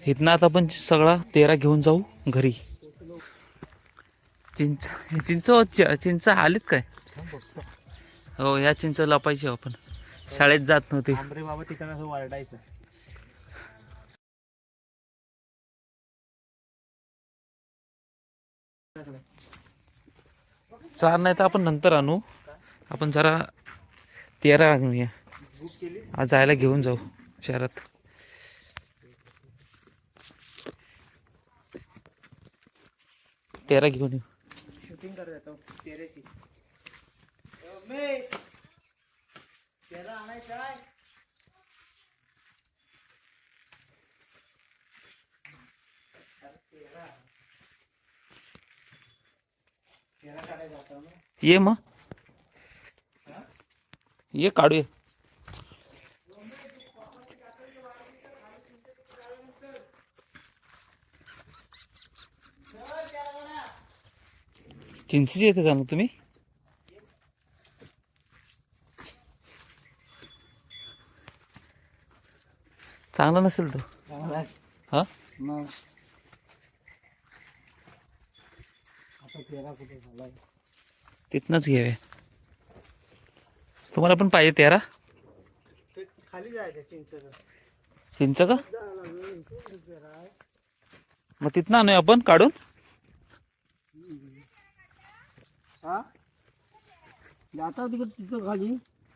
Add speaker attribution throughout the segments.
Speaker 1: इथनं आता आपण सगळा तेरा घेऊन जाऊ घरी. चिंच चिंच आलीत काय? हो, ह्या चिंच लपायची आपण. शाळेत जात नव्हती.
Speaker 2: आंबरे बाबा तिकडनं असं वरडायचं.
Speaker 1: चार नाही तर आपण नंतर आणू. आपण जरा तेरा आणूया. आज जायला घेऊन जाऊ शहरात. तेरा घेऊन येऊ.
Speaker 2: शूटिंग करत येतो तेऱ्याची. तेरा आणायचं आहे. तेरा काढायचा होता ना.
Speaker 1: ये मग ये काढूया. चिंचची येते जाणं तुम्ही. चांगला नसेल तो. हा
Speaker 2: मग आता तेरा कुठे झालाय?
Speaker 1: तिथनच घेऊया. तुम्हाला पण पाहिजे तेरा?
Speaker 2: ते खाली जायचं
Speaker 1: चिंच का? मग तिथनं आणूया आपण काढून.
Speaker 2: हा जाता तिकडे तिथं खाली.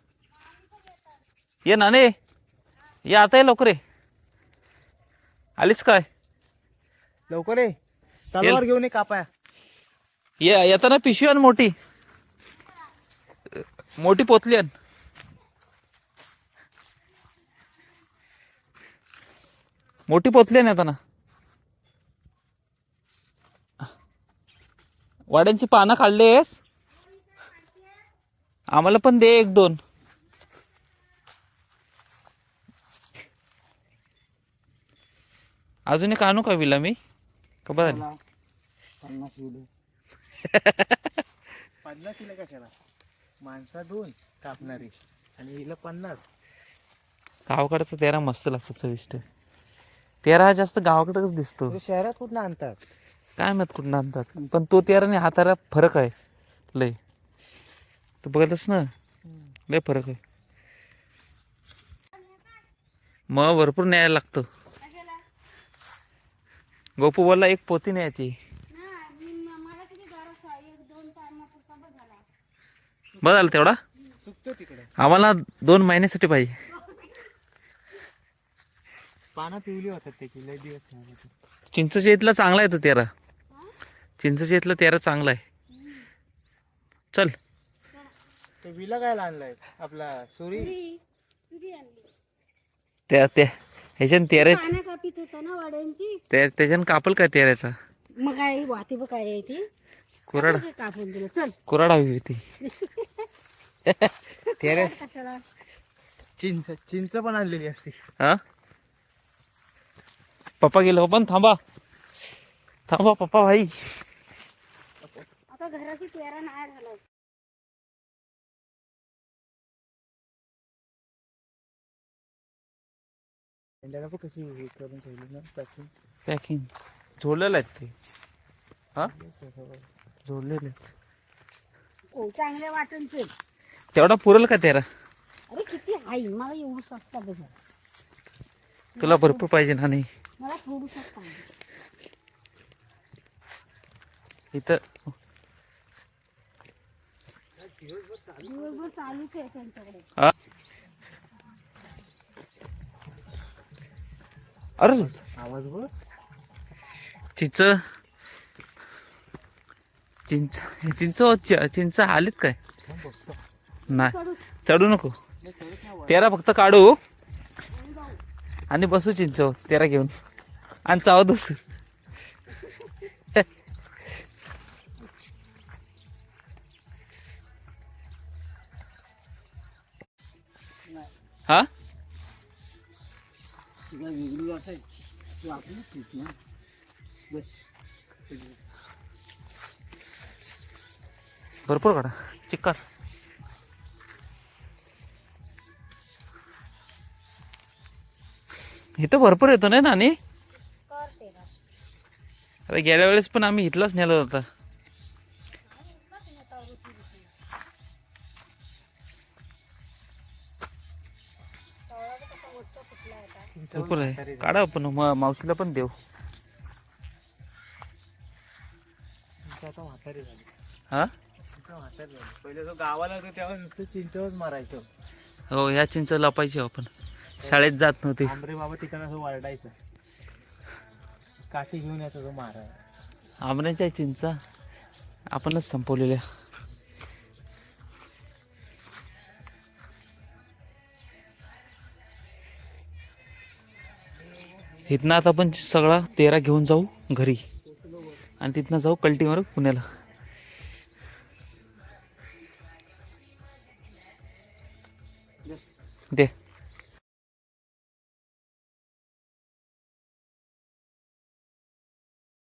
Speaker 1: ये नाने, ये आता ये लवकर ये. आलीच काय?
Speaker 2: लवकर ये. तलवार घेऊन ये कापाया.
Speaker 1: ये येताना पिशवी आण मोठी. मोठी पोतली आण. मोठी पोतली आण येताना. वाड्यांची पानं काढलेस? आम्हाला पण दे एक दोन. अजून एक आणू का विला मी? का बरं
Speaker 2: 50 किलो. 50 किलो कशाला? माणसा 2 कापणारी आणि हिला 50.
Speaker 1: गावाकडचा तेरा मस्त लागतो चविष्ट. तेरा हा जास्त गावाकडेच दिसतो.
Speaker 2: शहरात कुठं आणतात?
Speaker 1: काय माहित कुठं आणतात. पण तो तेरा आणि हा तेरा फरक आहे लय. तू बघतस ना, लय फरक आहे. मग भरपूर न्यायला लागतं. गोपू बोलला एक पोती न्यायची. बस झालं तेवढा.
Speaker 2: सुकतो तिकडे.
Speaker 1: आम्हाला 2 महिन्यासाठी पाहिजे.
Speaker 2: पानं पिवली होतात त्याची लय दिवस.
Speaker 1: चिंचच्या इथला चांगला आहे तो तेरा. चिंचच्या इथला तेरा चांगला आहे. चल.
Speaker 2: ते विला काय आणलाय आपला सुरी.
Speaker 1: त्या त्या ह्याच्यान तेराच
Speaker 3: कापीत होता ना वाड्यांची.
Speaker 1: त्याच्यानं कापल काय तेराचा.
Speaker 3: मग काय वाती बघ काय आहे ती.
Speaker 1: कुराड
Speaker 3: कापून दिलं चल.
Speaker 1: कुराड हवी होती.
Speaker 2: तेरे
Speaker 3: कशाला?
Speaker 2: चिंच पण आणलेली असते.
Speaker 1: हा पप्पा गेलो पण थांबा थांबा पप्पा भाई.
Speaker 3: आता घराची तेरा नाही झाला.
Speaker 2: कशी हे करून ठेवली ना पॅकिंग.
Speaker 1: पॅकिंग जोडलेलं आहेत ते. हा जोडलेले.
Speaker 3: हो चांगल्या वाटणचे.
Speaker 1: तेवढा पुरेल का तेरा?
Speaker 3: अरे किती आहे मला एवढं सस्ता बघ.
Speaker 1: तुला भरपूर पाहिजे ना. नाही
Speaker 3: मला थोडं सस्ता
Speaker 1: इथं
Speaker 3: दिवसभर चालूच आहे त्यांच्याकडे.
Speaker 1: हा अरे
Speaker 2: आवाज बघ.
Speaker 1: चिंच चिंच चिंच चिंच आलीत काय? नाही चढू नको. तेरा फक्त काढू आणि बसू चिंच तेरा घेऊन आणि चावत बसू. हा
Speaker 2: वेगळी वाटाय तू आपली ना बस.
Speaker 1: भरपूर काढा चिक्कार. इथं भरपूर येतो नाही नानी. आता गेल्या वेळेस पण आम्ही इथलाच नेला होता. भरपूर आहे, काढा आपण मावशीला पण देऊ.
Speaker 2: आता म्हातारी झाली.
Speaker 1: हा
Speaker 2: म्हातारी झाली. पहिले जो गावाला होतो तेव्हा नुसतं चिंचवच मारायचो.
Speaker 1: हो, ह्या चिंच लपायची आपण, शाळेत जात नव्हती.
Speaker 2: आंबरे बाबा ठिकाण असं वरडायचं, काठी घेऊन यायचा तो मारायला.
Speaker 1: आंबऱ्याच्या चिंचा आपणच संपवलेल्या. इथनं आता आपण सगळा 13 घेऊन जाऊ घरी आणि तिथनं जाऊ कल्टीवर पुण्याला. दे